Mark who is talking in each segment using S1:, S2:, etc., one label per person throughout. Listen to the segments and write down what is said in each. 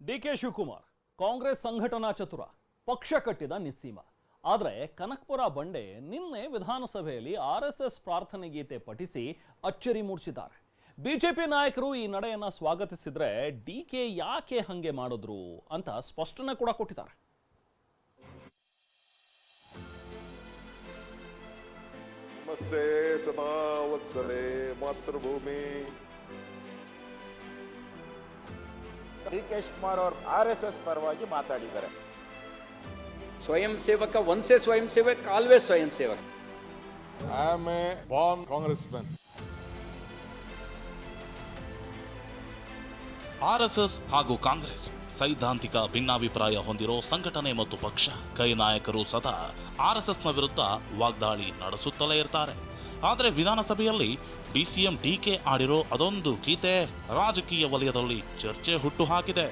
S1: DK Shivakumar Congress ಸಂಘಟನಾ ಚತುರ, ಪಕ್ಷ ಕಟ್ಟಿದ ನಿಸ್ಸೀಮ. ಆದರೆ ಕನಕಪುರ ಬಂಡೆ ನಿನ್ನೆ ವಿಧಾನಸಭೆಯಲ್ಲಿ ಆರ್ಎಸ್ಎಸ್ ಪ್ರಾರ್ಥನೆ ಗೀತೆ ಪಠಿಸಿ ಅಚ್ಚರಿ ಮೂಡಿಸಿದ್ದಾರೆ. ಬಿಜೆಪಿ ನಾಯಕರು ಈ ನಡೆಯನ್ನ ಸ್ವಾಗತಿಸಿದ್ರೆ ಡಿಕೆ ಯಾಕೆ ಹಂಗೆ ಮಾಡಿದ್ರು ಅಂತ ಸ್ಪಷ್ಟನೆ ಕೂಡ ಕೊಟ್ಟಿದ್ದಾರೆ.
S2: ನಮಸ್ತೆ ಸದಾ ವತ್ಸಲೆ ಮಾತೃಭೂಮಿ.
S3: ಡಿಕೆ ಶಿವಕುಮಾರ್ ಅವರು ಆರ್ಎಸ್ಎಸ್ ಪರವಾಗಿ ಮಾತಾಡಿದ್ದಾರೆ.
S4: ಸ್ವಯಂ ಸೇವಕ, ಒನ್ಸೆ ಸ್ವಯಂ ಸೇವಕ, ಆಲ್ವೇಸ್ ಸ್ವಯಂ ಸೇವಕ.
S2: I am a born Congressman.
S5: RSS ಹಾಗೂ ಕಾಂಗ್ರೆಸ್ ಸೈದ್ಧಾಂತಿಕ ಭಿನ್ನಾಭಿಪ್ರಾಯ ಹೊಂದಿರೋ ಸಂಘಟನೆ ಮತ್ತು ಪಕ್ಷ. ಕೈ ನಾಯಕರು ಸದಾ ಆರ್ಎಸ್ಎಸ್ನ ವಿರುದ್ಧ ವಾಗ್ದಾಳಿ ನಡೆಸುತ್ತಲೇ ಇರ್ತಾರೆ. ಆದರೆ ವಿಧಾನಸಭೆಯಲ್ಲಿ ಡಿಸಿಎಂ ಡಿಕೆ ಆಡಿರೋ ಅದೊಂದು ಗೀತೆ ರಾಜಕೀಯ ವಲಯದಲ್ಲಿ ಚರ್ಚೆ ಹುಟ್ಟು ಹಾಕಿದೆ.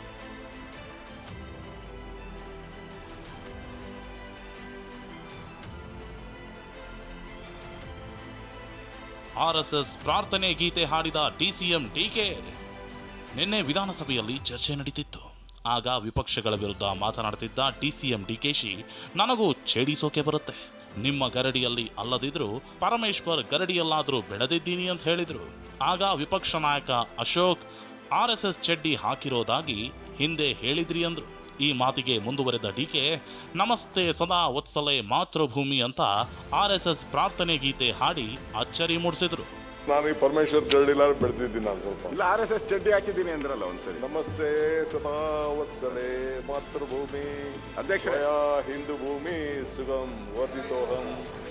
S5: ಆರ್ಎಸ್ಎಸ್ ಪ್ರಾರ್ಥನೆ ಗೀತೆ ಹಾಡಿದ ಡಿಸಿಎಂ ಡಿಕೆ. ನಿನ್ನೆ ವಿಧಾನಸಭೆಯಲ್ಲಿ ಚರ್ಚೆ ನಡೀತಿತ್ತು. ಆಗ ವಿಪಕ್ಷಗಳ ವಿರುದ್ಧ ಮಾತನಾಡುತ್ತಿದ್ದ ಡಿಸಿಎಂ ಡಿಕೆಶಿ, ನನಗೂ ಛೇಡಿಸೋಕೆ ಬರುತ್ತೆ, ನಿಮ್ಮ ಗರಡಿಯಲ್ಲಿ ಅಲ್ಲದಿದ್ರು ಪರಮೇಶ್ವರ್ ಗರಡಿಯಲ್ಲಾದರೂ ಬೆಳೆದಿದ್ದೀನಿ ಅಂತ ಹೇಳಿದ್ರು. ಆಗ ವಿಪಕ್ಷ ನಾಯಕ ಅಶೋಕ್ ಆರ್ಎಸ್ಎಸ್ ಚಡ್ಡಿ ಹಾಕಿರೋದಾಗಿ ಹಿಂದೆ ಹೇಳಿದ್ರಿ ಅಂದ್ರು. ಈ ಮಾತಿಗೆ ಮುಂದುವರೆದ ಡಿಕೆ, ನಮಸ್ತೆ ಸದಾ ವತ್ಸಲೆ ಮಾತೃಭೂಮಿ ಅಂತ ಆರ್ಎಸ್ಎಸ್ ಪ್ರಾರ್ಥನೆ ಗೀತೆ ಹಾಡಿ ಅಚ್ಚರಿ ಮೂಡಿಸಿದ್ರು.
S2: ನಾನು ಈ ಪರಮೇಶ್ವರ್ ಗರಡಿಲ್ಲ ಬೆಳೆದಿದ್ದೀನಿ. ನಾನು ಸ್ವಲ್ಪ
S3: ಇಲ್ಲ, ಆರ್ಎಸ್ಎಸ್ ಚಡ್ಡಿ ಹಾಕಿದ್ದೀನಿ ಅಂದ್ರಲ್ಲ ಒಂದ್ಸರಿ.
S2: ನಮಸ್ತೆ ಸದಾ ವತ್ಸಲೆ ಮಾತೃಭೂಮಿ
S3: ಅಧ್ಯಕ್ಷರೇ,
S2: ಹಿಂದೂ ಭೂಮಿ ಸುಗಮ್ ವರ್ಧಿತೋಹಂ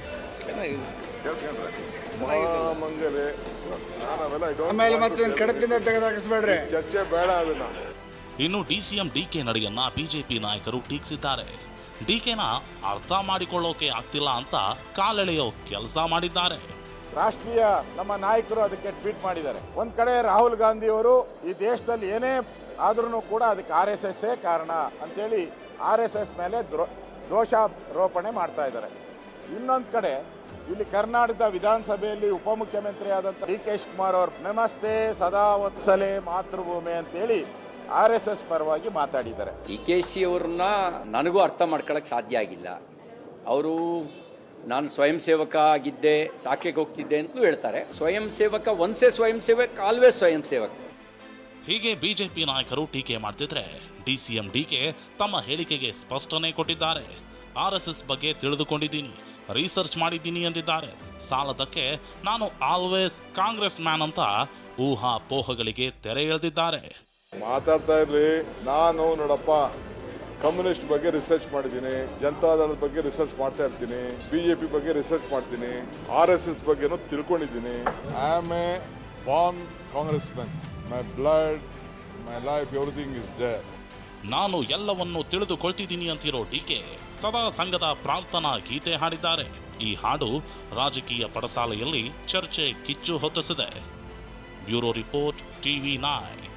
S3: ಕೇಳಿಸ್ಕೊಂಡ್ರೆ
S2: ಮಹಾಮಂಗಲೆ. ನಾನು ಅವೆಲ್ಲ
S6: ಆಮೇಲೆ ಮತ್ತೆ ಕಡತದಿಂದ ತೆಗೆದಾಕಿಸ್ಬೇಡ್ರಿ.
S2: ಚರ್ಚೆ ಬೇಡ ಅದನ್ನ.
S5: ಇನ್ನು ಡಿಸಿಎಂ ಡಿಕೆ ನಡೆಯನ್ನ ಬಿಜೆಪಿ ನಾಯಕರು ಟೀಕಿಸಿದ್ದಾರೆ. ಡಿಕೆನ ಅರ್ಥ ಮಾಡಿಕೊಳ್ಳೋಕೆ ಆಗ್ತಿಲ್ಲ ಅಂತ ಕಾಲೆಳೆಯೋ ಕೆಲಸ ಮಾಡಿದ್ದಾರೆ.
S3: ರಾಷ್ಟ್ರೀಯ ನಮ್ಮ ನಾಯಕರು ಅದಕ್ಕೆ ಟ್ವೀಟ್ ಮಾಡಿದ್ದಾರೆ. ಒಂದ್ ಕಡೆ ರಾಹುಲ್ ಗಾಂಧಿ ಅವರು ಈ ದೇಶದಲ್ಲಿ ಏನೇ ಆದ್ರೂ ಕೂಡ ಅದಕ್ಕೆ ಆರ್ಎಸ್ಎಸ್ ಕಾರಣ ಅಂತೇಳಿ ಆರ್ಎಸ್ಎಸ್ ಮೇಲೆ ದೋಷಾರೋಪಣೆ ಮಾಡ್ತಾ ಇದ್ದಾರೆ. ಇನ್ನೊಂದು ಕಡೆ ಇಲ್ಲಿ ಕರ್ನಾಟಕದ ವಿಧಾನಸಭೆಯಲ್ಲಿ ಉಪಮುಖ್ಯಮಂತ್ರಿ ಆದಂಥ ಡಿಕೆ ಶಿವಕುಮಾರ್ ಅವರು ನಮಸ್ತೆ ಸದಾ ವತ್ಸಲೆ ಮಾತೃಭೂಮಿ ಅಂತೇಳಿ ಆರ್ಎಸ್ಎಸ್ ಪರವಾಗಿ ಮಾತಾಡಿದ್ದಾರೆ.
S4: ಡಿಕೆಶಿ ಅವ್ರನ್ನ ನನಗೂ ಅರ್ಥ ಮಾಡ್ಕೊಳಕ್ ಸಾಧ್ಯ ಆಗಿಲ್ಲ. ಅವರು ನಾನು ಸ್ವಯಂ ಸೇವಕ ಆಗಿದ್ದೆ, ಸಾಕೆಗೆ ಹೋಗ್ತಿದ್ದೆ ಅಂತಲೂ ಹೇಳ್ತಾರೆ. ಸ್ವಯಂ ಸೇವಕ, ಒನ್ಸೆ ಸ್ವಯಂ ಸೇವಕ, ಆಲ್ವೇಸ್ ಸ್ವಯಂ ಸೇವಕ.
S5: ಹೀಗೆ ಬಿಜೆಪಿ ನಾಯಕರು ಟೀಕೆ ಮಾಡ್ತಿದ್ರೆ ಡಿಸಿಎಂ ಡಿಕೆ ತಮ್ಮ ಹೇಳಿಕೆಗೆ ಸ್ಪಷ್ಟನೆ ಕೊಟ್ಟಿದ್ದಾರೆ. ಆರ್ಎಸ್ಎಸ್ ಬಗ್ಗೆ ತಿಳಿದುಕೊಂಡಿದ್ದೀನಿ, ರಿಸರ್ಚ್ ಮಾಡಿದ್ದೀನಿ ಎಂದಿದ್ದಾರೆ. ಸಾಲದಕ್ಕೆ ನಾನು ಆಲ್ವೇಸ್ ಕಾಂಗ್ರೆಸ್ ಮ್ಯಾನ್ ಅಂತ ಊಹಾಪೋಹಗಳಿಗೆ ತೆರೆ ಎಳೆದಿದ್ದಾರೆ.
S2: ಮಾತಾಡ್ತಾ ಇರ್ಲಿ. ನಾನು ನೋಡಪ್ಪ ಕಮ್ಯುನಿಸ್ಟ್ ಬಗ್ಗೆ ರಿಸರ್ಚ್ ಮಾಡಿದ್ದೀನಿ, ಜನತಾದಳದ ಬಗ್ಗೆ ರಿಸರ್ಚ್ ಮಾಡ್ತಾ ಇರ್ತೀನಿ, ಬಿಜೆಪಿ ಬಗ್ಗೆ ರಿಸರ್ಚ್ ಮಾಡ್ತೀನಿ, ಆರ್ಎಸ್ಎಸ್ ಬಗ್ಗೆನೂ ತಿಳ್ಕೊಂಡಿದ್ದೀನಿ. I am a born Congressman. My blood, my life, everything is there.
S5: ನಾನು ಎಲ್ಲವನ್ನೂ ತಿಳಿದುಕೊಳ್ತಿದ್ದೀನಿ ಅಂತಿರೋ ಡಿಕೆ ಸದಾ ಸಂಘದ ಪ್ರಾರ್ಥನಾ ಗೀತೆ ಹಾಡಿದ್ದಾರೆ. ಈ ಹಾಡು ರಾಜಕೀಯ ಪಡಸಾಲೆಯಲ್ಲಿ ಚರ್ಚೆ ಕಿಚ್ಚು ಹೊತ್ತಿಸಿದೆ. Bureau report, TV9.